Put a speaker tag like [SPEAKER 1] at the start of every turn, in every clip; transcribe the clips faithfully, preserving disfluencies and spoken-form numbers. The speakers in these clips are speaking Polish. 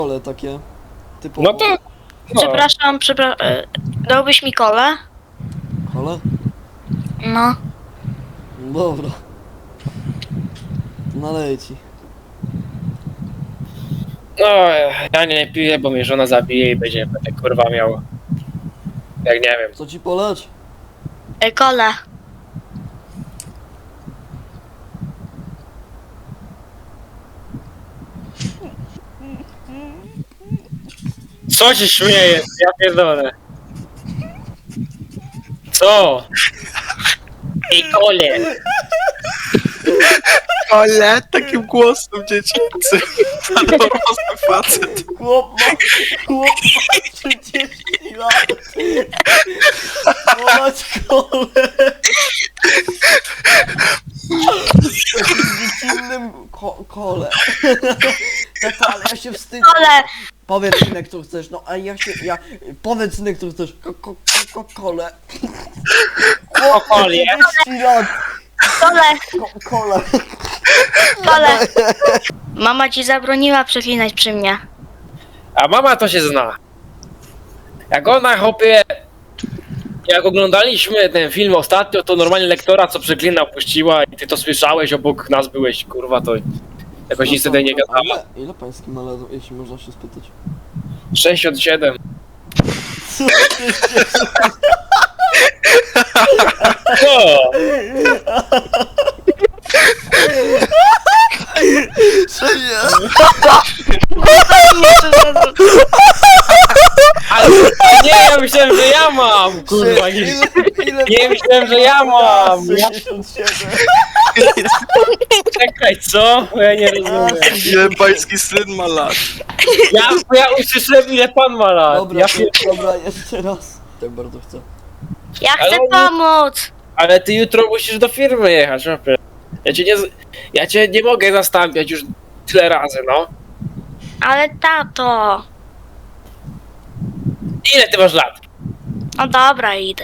[SPEAKER 1] kole takie typowo.
[SPEAKER 2] No to... No.
[SPEAKER 3] Przepraszam, przepraszam. Dałbyś mi kolę?
[SPEAKER 1] Kole?
[SPEAKER 3] No.
[SPEAKER 1] Dobra. Naleję ci.
[SPEAKER 2] No, ja nie piję, bo mnie żona zabije i będzie będę kurwa miał... Jak nie wiem.
[SPEAKER 1] Co ci poleć?
[SPEAKER 3] E, Kolę.
[SPEAKER 2] Co się śmiejesz? Ja pierdolę. Co? Ej, kole!
[SPEAKER 4] Ale takim głosem dziecięcym. Na dorosły facet.
[SPEAKER 1] Chłop ma, chłop ma trzydzieści lat. Polać kole. Z innym ko kole. Tata, ale ja się wstydzę.
[SPEAKER 3] Kolę.
[SPEAKER 1] Powiedz synek, co chcesz, no a ja się, ja... Powiedz synek, co chcesz. Ko ko ko kole.
[SPEAKER 2] O, kole.
[SPEAKER 1] trzydzieści lat.
[SPEAKER 3] Kolę.
[SPEAKER 1] Ko kole.
[SPEAKER 3] Kolę. Mama ci zabroniła przeklinać przy mnie.
[SPEAKER 2] A mama to się zna. Jak ona chopie... Jak oglądaliśmy ten film ostatnio, to normalnie lektora co przeklinał puściła i ty to słyszałeś, obok nas byłeś, kurwa, to jakoś nic wtedy nie
[SPEAKER 1] A
[SPEAKER 2] gadała.
[SPEAKER 1] ile, ile pański ma lat, jeśli można się spytać?
[SPEAKER 2] sześćdziesiąt siedem.
[SPEAKER 1] Co ty się...
[SPEAKER 2] Co?
[SPEAKER 1] Co ja?
[SPEAKER 2] Ale nie, ja myślałem, że ja mam, kurwa, nie,
[SPEAKER 1] Ile, ile
[SPEAKER 2] nie myślałem, że ja mam. Ja,
[SPEAKER 1] sześćdziesiąt siedem.
[SPEAKER 2] czekaj, co? Bo ja nie rozumiem.
[SPEAKER 4] Ile pański syn ma lat?
[SPEAKER 2] Ja, bo ja usłyszałem, ile pan ma lat.
[SPEAKER 1] Dobra,
[SPEAKER 2] Ja,
[SPEAKER 1] to, dobra, jeszcze raz. Tak bardzo chcę.
[SPEAKER 3] Ja chcę
[SPEAKER 2] Ale nie-
[SPEAKER 3] pomóc.
[SPEAKER 2] ale ty jutro musisz do firmy jechać, chłopie. Ja cię nie, z- ja cię nie mogę zastąpiać już tyle razy, no.
[SPEAKER 3] Ale tato.
[SPEAKER 2] Ile ty masz lat?
[SPEAKER 3] No dobra, idę.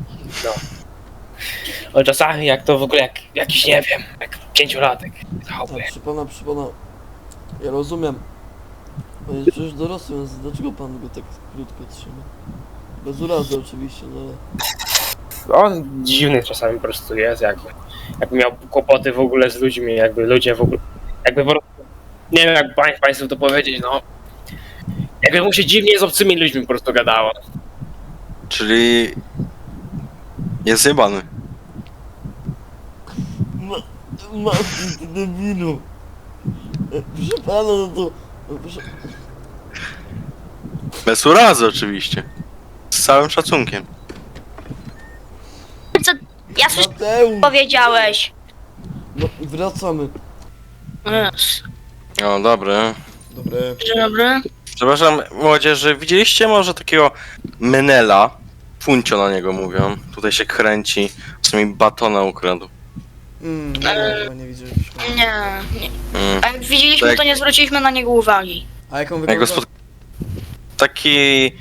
[SPEAKER 2] O, czasami jak to w ogóle jak jakiś, nie wiem, jak pięciolatek.
[SPEAKER 1] Tak,
[SPEAKER 2] Chłopie.
[SPEAKER 1] przypomnę, przypomnę. Ja rozumiem. On jest przecież dorosły, więc dlaczego pan go tak krótko trzyma? Bez urazy oczywiście, no ale...
[SPEAKER 2] On dziwny czasami po prostu jest, jakby, jakby miał kłopoty w ogóle z ludźmi, jakby ludzie w ogóle, jakby po prostu, nie wiem jak pań, państwu to powiedzieć, no. Jakby mu się dziwnie z obcymi ludźmi po prostu gadało.
[SPEAKER 4] Czyli... Jest zjebany.
[SPEAKER 1] Ma... Ma... ty debilu. E, Proszę pana, no to... no Proszę...
[SPEAKER 4] Bez urazy oczywiście. Z całym szacunkiem.
[SPEAKER 3] Co? Ja coś
[SPEAKER 1] Mateusz!
[SPEAKER 3] powiedziałeś.
[SPEAKER 1] No, wracamy.
[SPEAKER 3] Yes.
[SPEAKER 4] O, dobre.
[SPEAKER 1] Dobre.
[SPEAKER 3] Dzień dobry.
[SPEAKER 4] Przepraszam, młodzieży, widzieliście może takiego Menela? Funcio na niego mówią. Tutaj się kręci. W sumie batona ukradł.
[SPEAKER 1] Mm, nie, chyba nie widzieliśmy.
[SPEAKER 3] Nie, nie.
[SPEAKER 4] Mm.
[SPEAKER 3] A jak widzieliśmy,
[SPEAKER 4] Tak.
[SPEAKER 3] to nie zwróciliśmy na niego uwagi.
[SPEAKER 1] A jaką
[SPEAKER 4] Jak go
[SPEAKER 1] wygląda?
[SPEAKER 4] spod... Taki...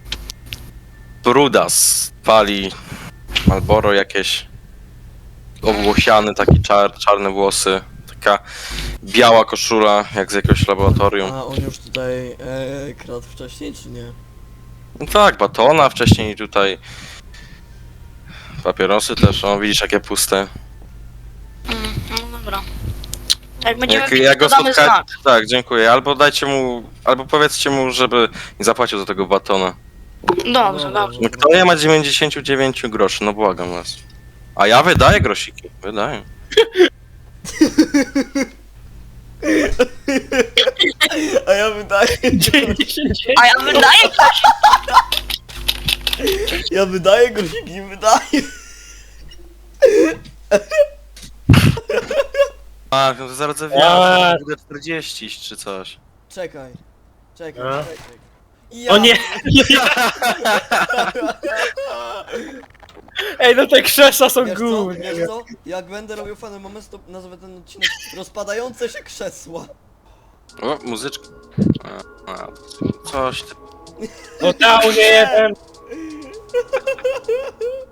[SPEAKER 4] Brudas. Pali... Malboro jakieś... Owłosiany, taki czar, czarne włosy. Taka biała koszula, jak z jakiegoś laboratorium.
[SPEAKER 1] A on już tutaj e, kradł wcześniej, czy nie?
[SPEAKER 4] No tak, batona wcześniej tutaj. Papierosy też, o widzisz jakie puste.
[SPEAKER 3] Mm, no dobra. Jak będziemy
[SPEAKER 4] Jak,
[SPEAKER 3] widzieć,
[SPEAKER 4] jak go
[SPEAKER 3] to damy
[SPEAKER 4] spotkać.
[SPEAKER 3] znak.
[SPEAKER 4] Tak, dziękuję. Albo dajcie mu, albo powiedzcie mu, żeby nie zapłacił za tego batona.
[SPEAKER 3] Dobrze, dobrze.
[SPEAKER 4] No kto nie ma dziewięćdziesiąt dziewięć groszy, no błagam was. A ja wydaję grosiki, wydaję.
[SPEAKER 1] A ja wydaję...
[SPEAKER 3] A ja wydaję coś.
[SPEAKER 1] Ja wydaję grosiki, wydaję.
[SPEAKER 4] A, no to zaraz
[SPEAKER 2] A.
[SPEAKER 4] zawiadę, będę czterdzieści czy coś.
[SPEAKER 1] Czekaj. Czekaj,
[SPEAKER 2] A?
[SPEAKER 1] czekaj. Ja...
[SPEAKER 2] O nie! Ej, no te krzesła są
[SPEAKER 1] Wiesz co?
[SPEAKER 2] główne.
[SPEAKER 1] Wiesz co? Jak będę robił fany moment, to nazwę ten odcinek rozpadające się krzesła.
[SPEAKER 4] O, muzyczka. A, a, coś ty...
[SPEAKER 2] No tał nie jeden.